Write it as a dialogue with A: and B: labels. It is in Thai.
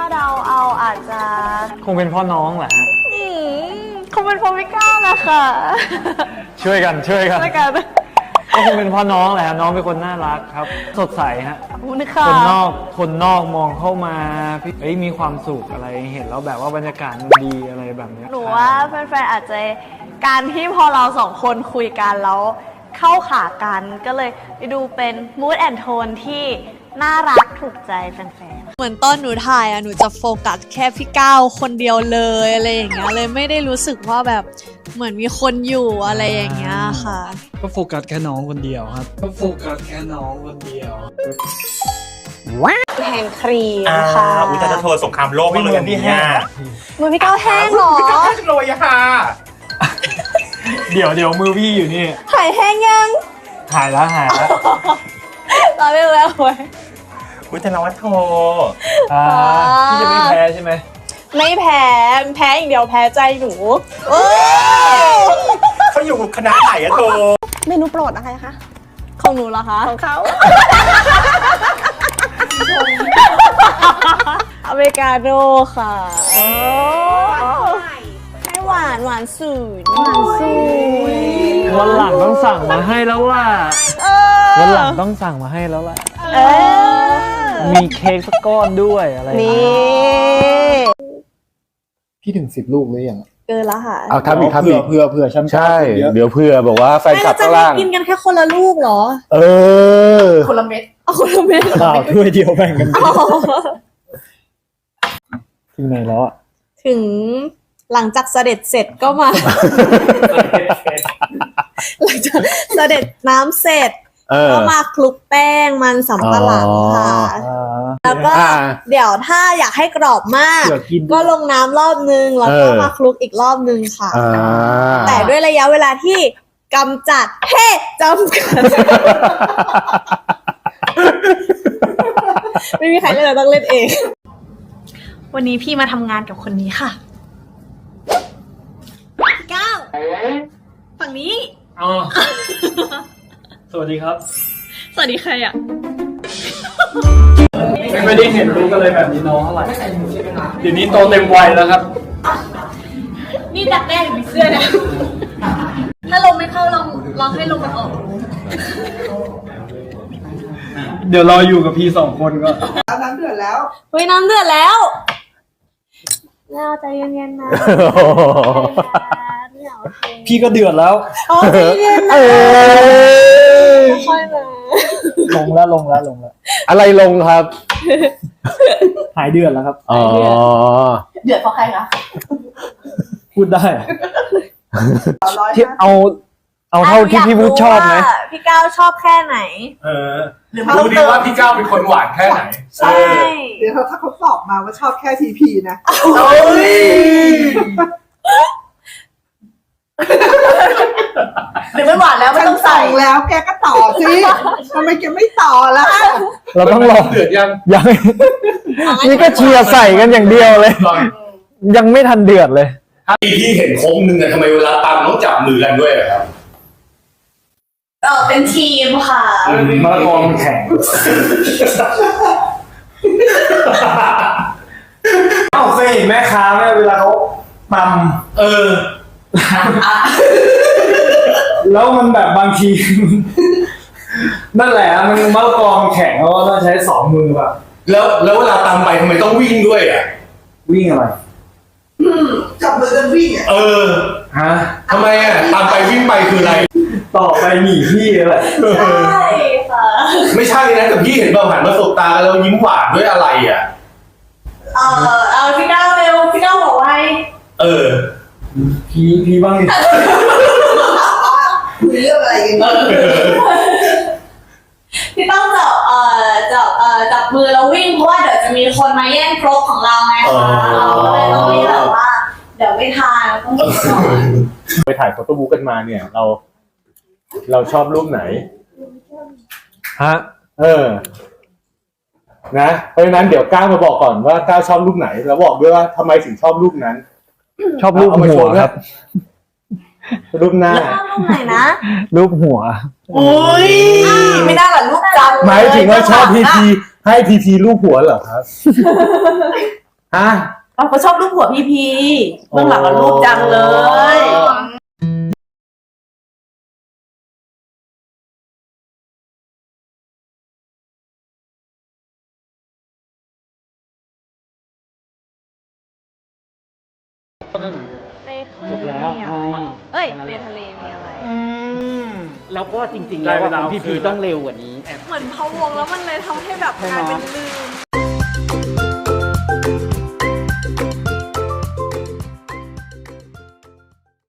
A: าเดาเอาอาจจะ
B: คงเป็นพ่อน้องแหละฮะ
A: คงเป็นพ่อพี่ก้าวแหละค่ะ
B: ช่วยกัน
A: ช่วยกัน
B: ก็คงเป็นพ่อน้องแหละน้องเป็นคนน่ารักครับ สดใสฮะคนนอกมองเข้ามาพี่มีความสุขอะไรเห็นแล้วแบบว่าบรรยากาศมันดีอะไรแบบนี้
A: หนูว่าแฟนๆอาจจะการที่พอเราสองคนคุยกันแล้วเข้าขากันก็เลยดูเป็น mood and tone ที่น่ารักถูกใจแฟนๆเหมือนตอนหนูถ่ายหนูจะโฟกัสแค่พี่ก้าวคนเดียวเลยอะไรอย่างเงี้ยเลยไม่ได้รู้สึกว่าแบบเหมือนมีคนอยู่อะไรอย่างเงี้ยค่ะ
B: ก็โฟกัสแค่น้องคนเดียวครับ
A: แฮนด์ครีมค่ะ
C: อุตส่าห์โทรสงครามโลกมาเลยอันนี้
A: มือพี่ก้าวแห้งเหรอ
C: โรยค่ะ
B: เดี๋ยวมือพี่อยู่นี่
A: หายแห้งยัง
B: หายแล้ว
A: รอไม่แล้วไว้
C: อุตส่าห์ว่าโทร
B: พี่จะไม่แพ้ใช่ไหม
A: ไม่แพ้อย่างเดียวแพ้ใจหนู
C: เขาอยู่คณะไหนอะโทร
A: เมนูโปรดอะไรคะของหนูเหรอคะของเขาอเมริกาโน่ค่ะให้หวานสูตร
B: วันหลังต้องสั่งมาให้แล้วล่ะมีเค้กสักก้อนด้วยอะไร
A: นี่
D: พี่ถึง10 ลูกหรือยัง
A: เกินแล้วค่ะ
D: เอาทำอีกเผื่อช้ำ
E: ใช่เดี๋ยวเผื่อบอกว่าแฟนคลับข้างล่าง
A: กินกันแค่คนละลูกเหรอคนละเม็ด
D: ถ้วยเดียวแบ่งกันถึงไหนแล้ว
A: ถึงหลังจากเสด็จเสร็จก็มาหลังจากเสด็จน้ำเสร็จก็มาคลุกแป้งมันสำปะหลังค่ะแล้วก็เดี๋ยวถ้าอยากให้กรอบมากก็ลงน้ำรอบนึงแล้วก็มาคลุกอีกรอบนึงค่ะแต่ด้วยระยะเวลาที่จำกัดไม่มีใครเล่นเราต้องเล่นเองวันนี้พี่มาทำงานกับคนนี้ค่ะก้าวฝั่งนี้
B: สวัสดีครับ
A: สวัสดีใครอ่ะ
B: ไม่ได้เห็นรูปกันเลยแบบนี้น้องเท่าไหร่เดี๋ยวนี้โตเต็มวัยแล้วครับ
A: นี่ดักแด้อยู่ในเสื้อนะถ้าลมไม่เข้าลองให้ลมมันออก
B: เดี๋ยวรออยู่กับพี่2 คนก็
A: น้ำเดือดแล้วเฮ้ยน้ำเดือดแล้วเราใจเย็นๆนะ
B: พี่ก็เดือดแล้ว
A: ใจเย็นนะค่อยมา
B: ลงแล้ว
E: อะไรลงครับ
B: หายเดือดแล้วครับ
A: เดือดเพราะใครคะ
B: พูดได้ที่เอาเท่าที่พี่พูดชอบไหม
A: พี่ก้าวชอบแค่ไหน
C: ดูดีว่าพี่ก้าวเป็นคนหวานแค่ไหน
A: ใช่
F: เดี๋ยวถ้าเขาตอบมาว่าชอบแค่ทีพีนะ
A: หรือไม่หวานแล้วไม่ต้องใส่
F: แล้วแกก็ต่อสิทำไมแกไม่ต่อล่ะ
B: เราต้องรอ
C: เดือดยัง
B: นี่ก็เชียร์ใส่กันอย่างเดียวเลยยังไม่ทันเดือดเลย
C: พี่เห็นโค้งนึงอะทำไมเวลาตามต้องจับมือกันด้วยครับ
A: เป็นทีมค่ะ
B: มากองแข่งเคยเห็นแม่ค้าไหมเวลาเขาตำแล้วมันแบบบางทีนั่นแหละมันมะละกอแข็งเขาต้องใช้2 มือแบบ
C: แล้วเวลาตามไปทำไมต้องวิ่งด้วยอ่ะ
B: วิ่งอะไร
F: จับมือกันวิ่ง
B: ฮะ
C: ทำไมอ่ะตามไปวิ่งไปคืออะไร
B: ต่อไปหนีพี่อะไร
A: ใช่ค่ะ
C: ไม่ใช่นะแต่พี่เห็นเราหันมาสบตากันแล้วยิ้มหวานด้วยอะไรอ่ะ
A: พี่ก้าวเร็วพี่ก้าวบอกไว้
B: พี่บ้างดิ
F: คุยเรื่องอะไรกัน
A: พี่ต้องจับมือแล้ววิ่งเพราะว่าเดี๋ยวจะมีคนมาแย่งครกของเราไงคะเราเลยต้องวิ่งแบบว่าเดี๋ยวไม่ทานต้องวิ่งก่อน
E: ไปถ่ายโฟโต้บุ๊กกันมาเนี่ยเราชอบรูปไหน
B: ฮะ
E: นะเพราะฉะนั้นเดี๋ยวก้าวมาบอกก่อนว่าก้าวชอบรูปไหนแล้วบอกด้วยว่าทำไมถึงชอบรูปนั้น
B: ชอบรูปหัวครับ
E: รูปหน้า
A: รูปไหนนะ
B: รูปหัว
A: ไม่ได้หรอรูปจำ
E: หมายถึงว่าชอบพีพีให้พีพีรูปหัวเหรอครับอ่ะ
G: เขาชอบรูปหัวพี่พีเบื้องหลังกับรูปจังเลย
A: ในคืนมีอะไรเอ้ยในทะเลมีอะไร
H: แล้วก็จริงๆแล้วว่าของพี่พีต้องเร็วกว่านี้
A: เหมือนพะวงแล้วมันเลยทำให้แบบกลายเป็นลืม